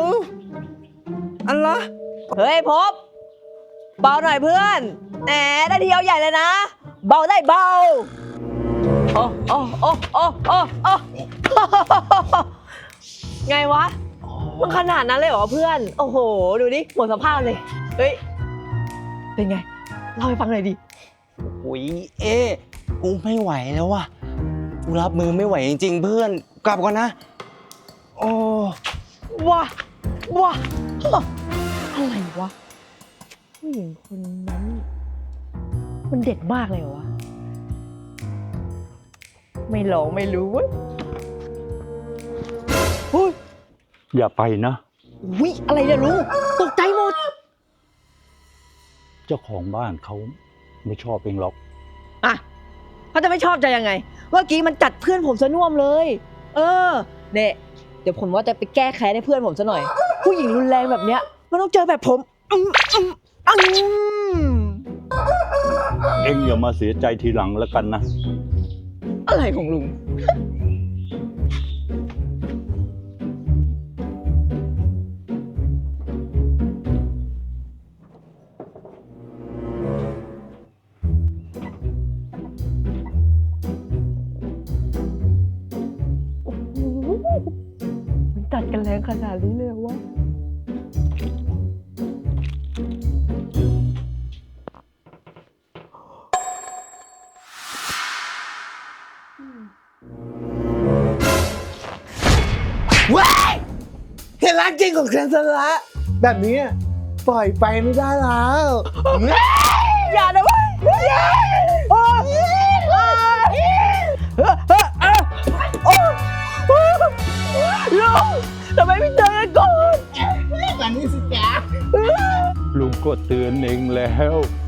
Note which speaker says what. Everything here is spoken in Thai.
Speaker 1: อันละ
Speaker 2: เฮ้ยพบเบาหน่อยเพื่อนแหมได้ทีเอาใหญ่เลยนะเบาได้เบาโอ้โอ้โอ้โอ้โอ้โอ้ไงวะมันขนาดนั้นเลยเหรอเพื่อนโอ้โหดูดิหมดสภาพเลยเฮ้ยเป็นไงเล่าให้ฟังหน่อยดิ
Speaker 1: อุ๊ยกูไม่ไหวแล้วว่ะกูรับมือไม่ไหวจริงๆเพื่อนกลับก่อนนะโอ้
Speaker 2: ว้าว้าอะไรวะผู้หญิงคนนั้นมันเด็ดมากเลยเหรอวะไม่ลองไม่รู้เว้ยเฮ้ย
Speaker 3: อย่าไปนะ
Speaker 2: วิอะไรเนี่ยลุงตกใจหมด
Speaker 3: เจ้าของบ้านเขาไม่ชอบเองหรอก
Speaker 2: อ่ะเขาจะไม่ชอบใจยังไงเมื่อกี้มันจัดเพื่อนผมซะน่วมเลย เออเนี่ยเดี๋ยวผมว่าจะไปแก้แค้นให้เพื่อนผมซะหน่อย ผู้หญิงรุนแรงแบบเนี้ยมันต้องเจอแบบผม
Speaker 3: เองอย่ามาเสียใจทีหลังแล้วกันนะ
Speaker 2: อะไรของลุงมันตัดกันแรงขนาดนี้เลยวะ
Speaker 1: ว้ายเห็นรักจริงของฉันซะละแบบนี้ปล่อยไปไม่ได้แล้ว
Speaker 2: อย่านะเว้ยอย่าลุงทำไมไม่เจอกันก่อน
Speaker 1: แบบนี้สิจ๊ะ
Speaker 3: ลุงก็เตือนเองแล้ว